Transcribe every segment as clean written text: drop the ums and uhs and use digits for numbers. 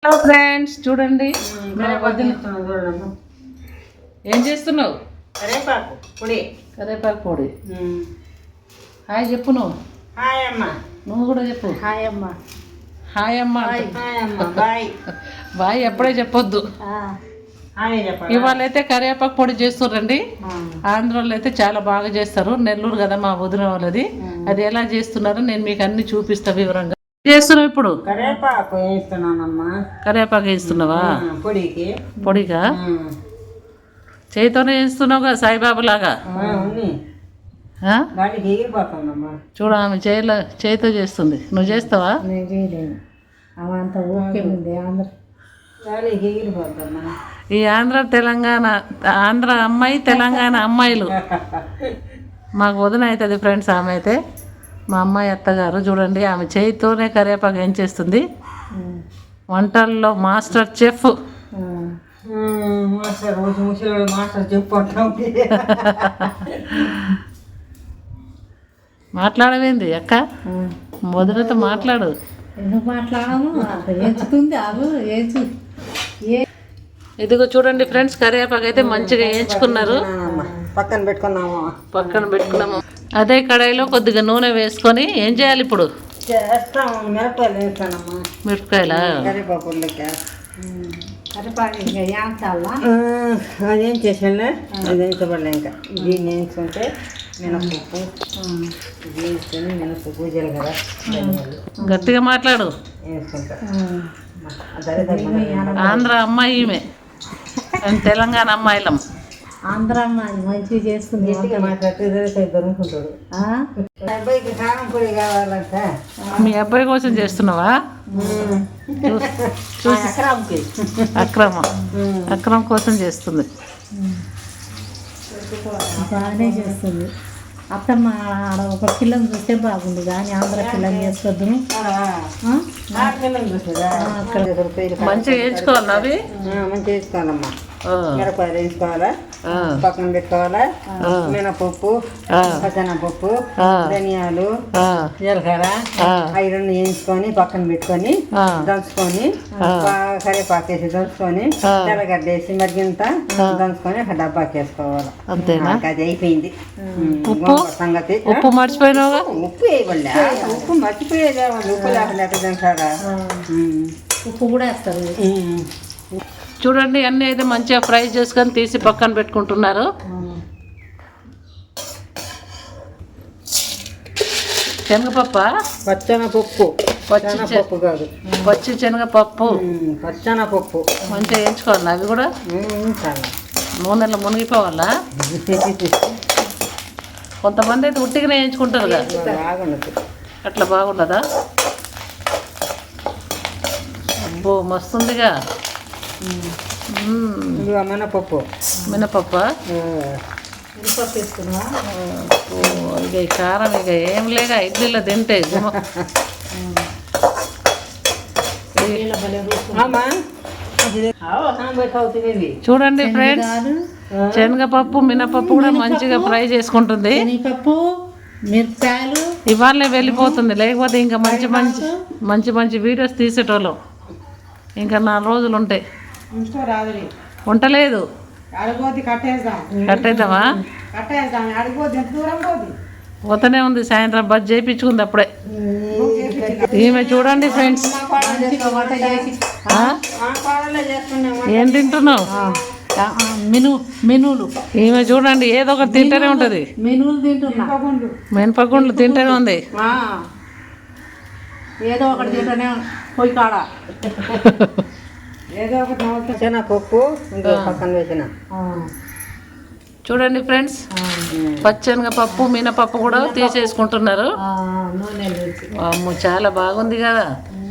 Hello friends, చూడండి ఏం చేస్తున్నావు? కరేపాకు పొడి. కరేపాకు పొడి. హాయ్ చెప్పు. హాయ్ అమ్మ. నువ్వు కూడా చెప్పు. హాయ్ అమ్మ. హాయ్ అమ్మ. హాయ్ అమ్మ. బాయ్. బాయ్ ఎప్పుడే చెప్పొద్దు. హాయ్ చెప్పండి. ఇవాళ అయితే కరివేపాకు పొడి చేస్తున్నారండి. ఆంధ్రాలో అయితే చాలా బాగా చేస్తారు. నెల్లూరు కదా మా వదిన వాళ్ళది. అది ఎలా చేస్తున్నారో నేను మీకు అన్ని చూపిస్తా వివరంగా. చేస్తున్నావు ఇప్పుడు? కరేపాకు వేస్తున్నానమ్మా. కరివేపాకు వేస్తున్నావా? పొడికి. పొడిగా చేతితోనే వేస్తున్నావుగా సాయిబాబు లాగా. చూడ ఆమె చేతితో చేస్తుంది. నువ్వు చేస్తావా? ఈ ఆంధ్ర తెలంగాణ, ఆంధ్ర అమ్మాయి తెలంగాణ అమ్మాయిలు మాకు వదిన అవుతుంది ఫ్రెండ్స్. ఆమె అయితే మా అమ్మాయి అత్తగారు. చూడండి ఆమె చేతితోనే కరివేపాకు ఏం చేస్తుంది. వంటల్లో మాస్టర్ చెఫ్. మాట్లాడవేంది అక్క? వదినతో మాట్లాడు. ఎందుకు మాట్లాడము? ఎంచుతుంది ఇదిగో చూడండి ఫ్రెండ్స్, కరివేపాకు అయితే మంచిగా వేయించుకున్నారు. పక్కన పెట్టుకున్నాము. అదే కడాయిలో కొద్దిగా నూనె వేసుకొని ఏం చేయాలి ఇప్పుడు? మిరపకాయలు వేస్తానమ్మా. మిరపకాయలా? అదేం చేసాను, అది వేయించబడలే. ఇంకా దీన్ని వేయించుకుంటే మినపప్పు వేసుకొని మినపప్పు జీలకర్ర గట్టిగా మాట్లాడు. వేసుకుంటా. ఆంధ్ర అమ్మాయి ఈమె, తెలంగాణ అమ్మాయిలం. ఆంధ్ర అమ్మాయి మంచిగా చేసుకుంది. మాట్లాడితే దొరుకుతుంటాడు. అబ్బాయికి కారం పొడి కావాలంట. మీ అబ్బాయి కోసం చేస్తున్నావా? అక్రమ్ కోసం చేస్తుంది. బాగానే చేస్తుంది. అత్తమ్మ ఆడ ఒక పిల్లని చూస్తే బాగుంది, కానీ ఆంధ్ర పిల్లని చేసుకోవద్దు. మంచిగా వేయించుకోవాలి. అవి మంచిగా వేసుకోవాలమ్మా. మిరపకాయలు వేసుకోవాలా, పక్కన పెట్టుకోవాలా. మినపప్పు, పచ్చనపప్పు, ధనియాలు, జీలకర్ర అవి రెండు వేయించుకొని పక్కన పెట్టుకొని దంచుకొని, కరివేపాకు వేసి దంచుకొని, తెల్లగడ్డ వేసి మరిగింత దంచుకొని ఒక డబ్బాకి వేసుకోవాలి. అంతేనా? అది అయిపోయింది సంగతి. ఉప్పు మర్చిపోయినావుగా? ఉప్పు వేయబడలే. ఉప్పు మర్చిపోయేదే. ఉప్పు లేకుండా ఎట్లా తింటారా? ఉప్పు కూడా వేస్తారు. చూడండి అన్నీ అయితే మంచిగా ఫ్రై చేసుకొని తీసి పక్కన పెట్టుకుంటున్నారు. శనగపప్పు, పచ్చనపప్పు, పచ్చనపప్పు కాదు, పచ్చి శనగపప్పు, పచ్చనపప్పు మంచిగా వేయించుకోవాలి. అవి కూడా నూనెలో మునిగిపోవాలా? కొంతమంది అయితే ఉట్టిగానే వేయించుకుంటారు కదా, అట్లా బాగుండదా? అబ్బో మస్తుందిగా. మినపప్పు. మినపప్పు ఇక ఈ కారం ఇక ఏం లేక ఇడ్లీలో తింటే చూడండి ఫ్రెండ్స్, శనగపప్పు మినపప్పు కూడా మంచిగా ఫ్రై చేసుకుంటుంది. మిరపకాయలు ఇవాళనే వెళ్ళిపోతుంది, లేకపోతే ఇంకా మంచి మంచి వీడియోస్ తీసేటోళ్ళం. ఇంకా 4 రోజులు ఉంటాయి. ఉండలేదు. కట్టేద్దామా? పోతూనే ఉంది. సాయంత్రం బస్ చేయించుకుంది అప్పుడే. ఈమె చూడండి ఫ్రెండ్స్, ఏం తింటున్నావు? మెనూలు. ఈమె చూడండి ఏదో ఒకటి తింటూనే ఉంటుంది. మెనూలు తింటున్నా. మినపగుండ్లు తింటూనే ఉంది. ఏదో ఒకటి తింటూనే పోయి కాడ ఏదో ఒకటి శనగపప్పు పక్కన వేసిన. చూడండి ఫ్రెండ్స్, పచ్చెనగపప్పు మినపప్పు కూడా తీసేసుకుంటున్నారు. అమ్మో చాలా బాగుంది కదా.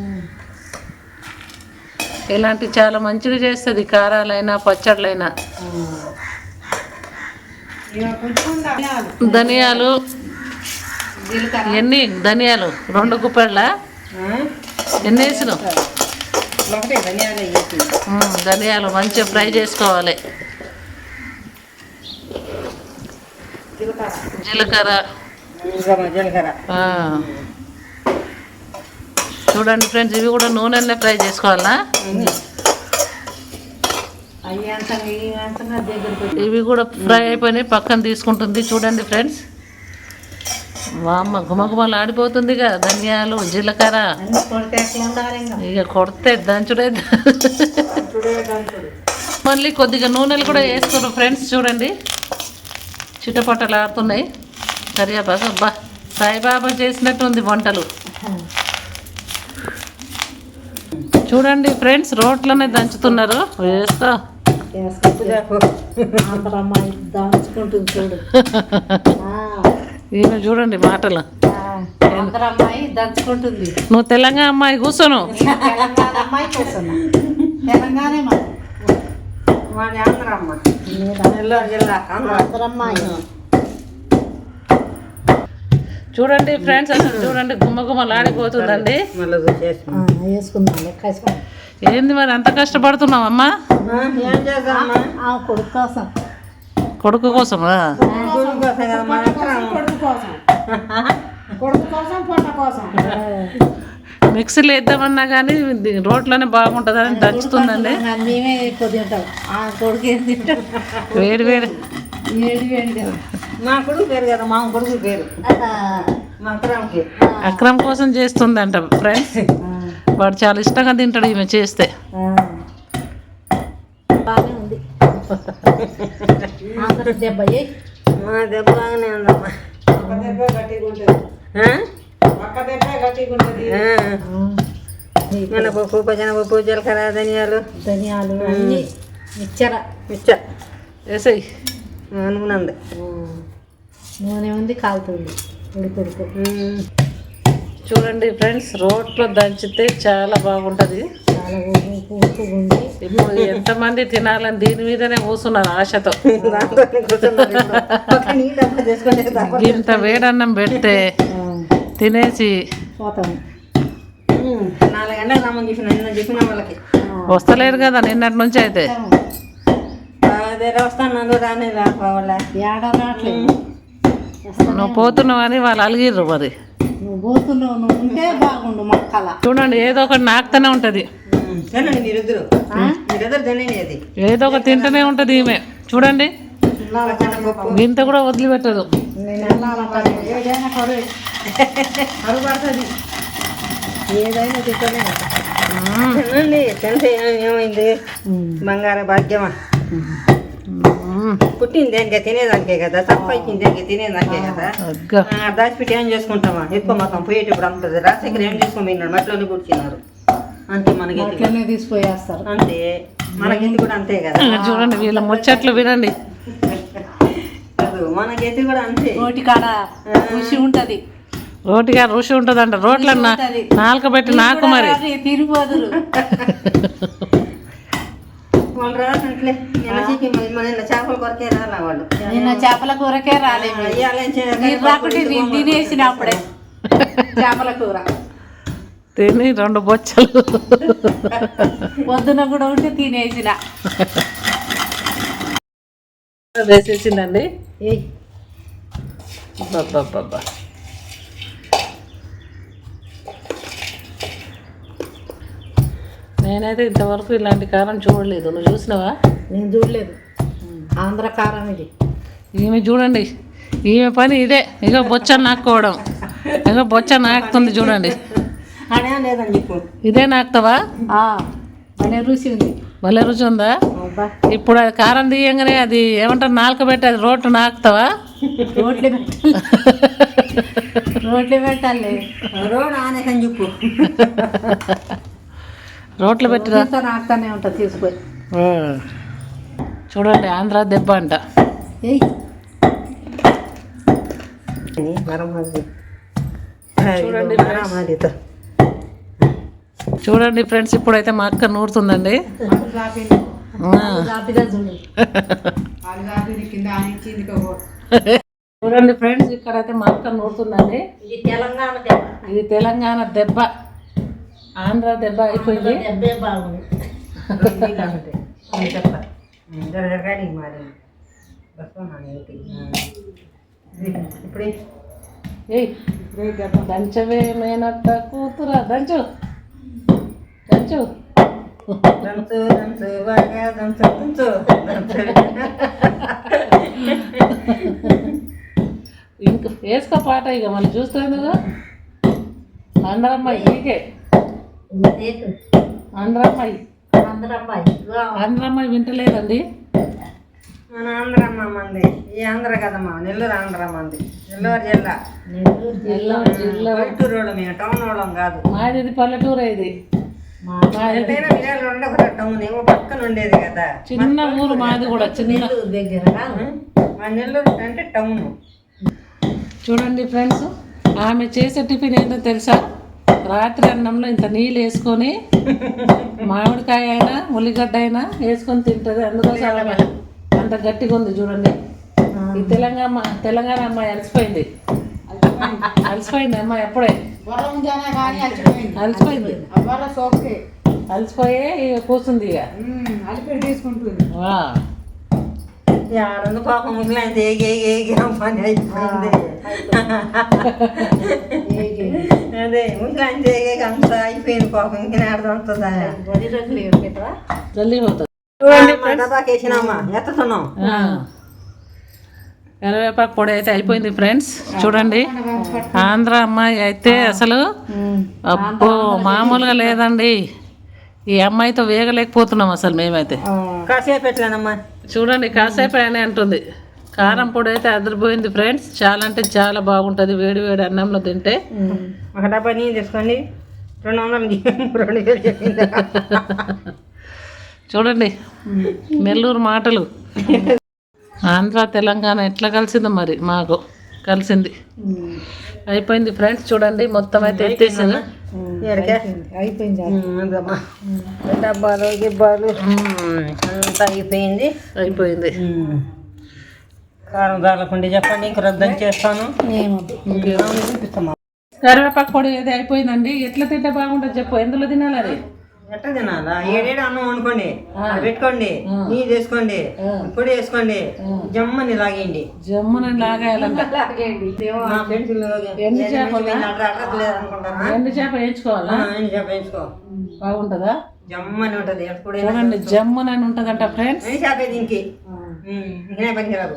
ఇలాంటి చాలా మంచిగా చేస్తుంది, కారాలైనా పచ్చళ్ళైనా. ధనియాలు ఎన్ని? ధనియాలు 2 గుప్పెళ్ళ ఎన్ని వేసినావు? ధనియాలు మంచిగా ఫ్రై చేసుకోవాలి. జీలకర్ర చూడండి ఫ్రెండ్స్, ఇవి కూడా నూనెలనే ఫ్రై చేసుకోవాలా. ఇవి కూడా ఫ్రై అయిపోయినాయి, పక్కన తీసుకుంటుంది. చూడండి ఫ్రెండ్స్, వామ్మ గుమగుమలు ఆడిపోతుంది కదా. ధనియాలు, జీలకర్ర ఇక కొడితే దంచుడే. మళ్ళీ కొద్దిగా నూనెలు కూడా వేసుకున్నాం ఫ్రెండ్స్. చూడండి చిటపటలు ఆడుతున్నాయి. కరివేపాకు, అబ్బా సాయిబాబా చేసినట్టుంది వంటలు. చూడండి ఫ్రెండ్స్, రోట్లోనే దంచుతున్నారు. వేస్తా దంచుకుంటుంది చూడు. ఈయన చూడండి మాటలు. అమ్మాయి దంచుకుంటుంది. నువ్వు తెలంగాణ అమ్మాయి కూర్చోను. తెలంగాణ అమ్మాయి కూర్చున్నా. తెలంగాణ చూడండి ఫ్రెండ్స్, అసలు చూడండి గుమ్మగుమ్మలు ఆడిపోతుందండి. వేసుకుందాం. ఏంది మరి అంత కష్టపడుతున్నావు అమ్మా? కొడుకు కోసం. కొడుకు కోసమా? మిక్సీలో వేద్దామన్నా కానీ రోట్లోనే బాగుంటుందని దంచుతుందండి. మేమే ఎక్కువ తింటాం. కొడుకు ఏం తింటాం? వేడి వేడి మా కొడుకు పేరు కదా, మా కొడుకు పేరు అక్రమ్ కోసం చేస్తుందంట ఫ్రెండ్స్. వాడు చాలా ఇష్టంగా తింటాడు ఈమె చేస్తే. బాగానే ఉంది. దెబ్బ మా దెబ్బ బాగానే ఉందమ్మా. మినపప్పు, పచ్చనపప్పు, జీలకర్ర, ధనియాలు అన్నీ మిక్చర్ వేసాయి. నూనె ఉంది, నూనె ఉంది, కాలుతుంది. ఉడుకు చూడండి ఫ్రెండ్స్, రోట్లో దంచితే చాలా బాగుంటుంది. చాలా ఉప్పు ఉంది. ఇప్పుడు ఎంతమంది తినాలని దీని మీదనే కూర్చున్నారు ఆశతో. ఇంత వేడన్నం పెడితే తినేసి పోతాము. 4 గంటలకు రమ్మని చెప్పిన వాళ్ళకి వస్తలేరు కదా నిన్నటి నుంచి. అయితే వస్తాను రానే రావట్లేదు. నువ్వు పోతున్నావు అని వాళ్ళు అలిగిర్రు. మరి నువ్వు పోతున్నావు, నువ్వు ఉంటే బాగుండు. మొక్కల చూడండి ఏదో ఒకటి నాకుతూనే ఉంటుంది. తినండి మీరిద్దరు తినండి. అది ఏదో ఒకటి తింటూనే ఉంటుంది ఈమె. చూడండి గింత కూడా వదిలిపెట్టదు. ఏదైనా కరువు పడుతుంది. ఏదైనా తింటూనే తినండి. తింటే ఏమైంది? బంగార భాగ్యమా. పుట్టింది దేనికే తినేదానికే కదా, సంపాదించింది దేనికే తినేదానికే కదా. దాచిపెట్టి ఏం చేసుకుంటామా? ఎక్కువ మొత్తం పోయేటప్పుడు అంటుంది. రాజశేఖర్ ఏం చేసుకోమన్నారు? మట్టిలోనే కూర్చున్నారు అంతే. మనకి తీసుకుపోయేస్తారు అంతే. మనకెందుకు కూడా అంతే కదా. చూడండి వీళ్ళ ముచ్చట్లు వినండి. మనకైతే కూడా అంతే. రోటి కాడ రుచి ఉంటది. రోటిగా రుచి ఉంటుందంట. రోట్ల నాలుక పెట్టి నాకు మరి తిరిగిపోదురు. వాళ్ళు రాదంటే నిన్న చేపల కొరకే రాలా వాళ్ళు. నిన్న చేపల కూరకే రాలేదు. మీరు రాకుంటే నేను తినేసిన అప్పుడే చేపల కూర తిని 2 బొచ్చలు పొద్దున కూడా ఉంటే తినేసిన. వేసేసిందండి. బాబా నేనైతే ఇంతవరకు ఇలాంటి కారం చూడలేదు. నువ్వు చూసినావా? నేను చూడలేదు. ఆంధ్ర కారం ఇది. ఈమె చూడండి, ఈమె పని ఇదే. ఇక బొచ్చ నాకుకోవడం. ఇక బొచ్చ నాకుతుంది చూడండి. లేదని చెప్పు. ఇదే నాకుతావా? భలే రుచి ఉంది. భలే రుచి ఉందా? ఇప్పుడు అది కారం తీయంగానే అది ఏమంటారు, నాలుక పెట్టి అది రోట్లు నాకుతావా? రోట్లు పెట్టాలి. రోట్లు పెట్టాలి. రోడ్ ఆనేకని చెప్పు. రోట్లు పెట్టిరా నాకుతానే ఉంటుంది. తీసుకొని చూడండి, ఆంధ్ర దెబ్బ అంట. చూడండి ఫ్రెండ్స్, ఇప్పుడైతే మా అక్క నూరుతుందండి. చూడండి ఫ్రెండ్స్, ఇక్కడైతే మా అక్క నూరుతుందండి. ఇది తెలంగాణ దెబ్బ. ఆంధ్ర దెబ్బ అయిపోయింది. దెబ్బే బాగుంది. చెప్తా ఇప్పుడు ఏయ్ దంచవే మేనత్త కూతురా దంచు దంచు దంచు దంచు బాగా దంచు దంచు దంచు. ఇంక వేసుకో పాట ఇక మళ్ళీ చూస్తేందుకు ఆంధ్రమ్మాయి నీకే ఆంధ్రమ్మాయి ఆంధ్రమ్మాయి వింటలేదండి. మన ఆంధ్రమ్మ మంది ఈ ఆంధ్ర కదమ్మా, నెల్లూరు ఆంధ్ర మంది, నెల్లూరు జిల్లా. నెల్లూరు జిల్లా పల్లెటూరు వాళ్ళం, మేము టౌన్ వాళ్ళం కాదు. మాది ఇది పల్లెటూరు ఇది. ఎంతైనా విజయాలు ఉండే ఒక టౌన్ ఏమో పక్కన ఉండేది కదా, చిన్న ఊరు మాది కూడా చిన్న దగ్గర. మా నెల్లూరు అంటే టౌన్. చూడండి ఫ్రెండ్స్, ఆమె చేసే టిఫిన్ ఏంటో తెలుసా? రాత్రి అన్నంలో ఇంత నీళ్ళు వేసుకొని మామిడికాయ అయినా ఉల్లిగడ్డ అయినా వేసుకొని తింటుంది. అందుకోసం ఆమె అంత గట్టిగా ఉంది చూడండి. ఈ తెలంగాణ అమ్మాయి అలసిపోయింది అమ్మాయి ఎప్పుడే అలసిపోయింది అలసిపోయి కూర్చుంది ఇక ఆడను పాపం ముగ్గులైతే ఏగి పని అయిపోయింది. అదే ముగ్గులైతే ఏగి అంత అయిపోయింది పాపం, ఇంకా ఆడుతుంటుందా జల్దీ పోతుంది. డబాకేసినామా ఎత్తుతున్నాం. కరివేపాకు పొడి అయితే అయిపోయింది ఫ్రెండ్స్. చూడండి ఆంధ్ర అమ్మాయి అయితే అసలు అబ్బో మామూలుగా లేదండి. ఈ అమ్మాయితో వేగలేకపోతున్నాం అసలు మేమైతే. కాసేపు ఎట్లానమ్మా చూడండి కాసేపు అని అంటుంది. కారం పొడి అయితే అదిరిపోయింది ఫ్రెండ్స్. చాలా అంటే చాలా బాగుంటుంది వేడి వేడి అన్నంలో తింటే. ఒక డబ్బా నీళ్ళు తీసుకోండి, 200 చెప్పింది. చూడండి నెల్లూరు మాటలు. ఆంధ్ర తెలంగాణ ఎట్లా కలిసిందో మరి మాకు కలిసింది. అయిపోయింది ఫ్రెండ్స్. చూడండి మొత్తం అయితే ఎత్తేసాను. అయిపోయింది డబ్బాలు గిబ్బాలు అంతా అయిపోయింది. కారం దాలకుండి చెప్పండి, ఇంక రద్దు చేస్తాను. కరివేపాకు పొడి అయితే అయిపోయిందండి. ఎట్లా తింటే బాగుంటుంది చెప్పు, ఎందులో తినాలి అది? ఎట్లా తినాలా? ఏడేడు అన్నం వండుకోండి, పెట్టుకోండి, నీళ్ళు వేసుకోండి, పొడి వేసుకోండి, జమ్మని లాగేయండి. జమ్మున లాగేయాలంట. ఎండు చేప వేయించుకోవాలా? వేయించుకో, బాగుంటుందా? జమ్మని ఉంటది. చూడండి జమ్మున అని ఉంటదంట ఫ్రెండ్స్. చేప దీనికి పనికిరాదు.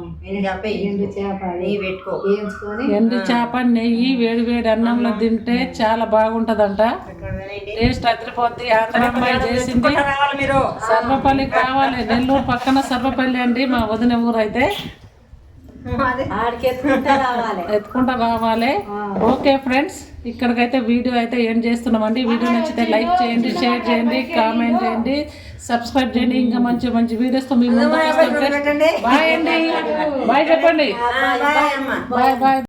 ఎండు చేప నెయ్యి వేడి వేడి అన్నంలో తింటే చాలా బాగుంటదంట. టేస్ట్ అదిరిపోద్ది. ఆంధ్ర అమ్మాయి చేసింది. సర్వపల్లి కావాలి, నెల్లూరు పక్కన సర్వపల్లి అండి మా వదిన ఊరు అయితే. ఎత్తుకుంటా రావాలి. ఓకే ఫ్రెండ్స్, ఇక్కడికైతే వీడియో అయితే ఏం చేస్తున్నామండి. వీడియో నచ్చితే లైక్ చేయండి, షేర్ చేయండి, కామెంట్ చేయండి, సబ్స్క్రైబ్ చేయండి. ఇంకా మంచి మంచి వీడియోస్తో మీ ముందుకు వస్తాం. బాయ్ అండి, బాయ్ చెప్పండి. Bye bye.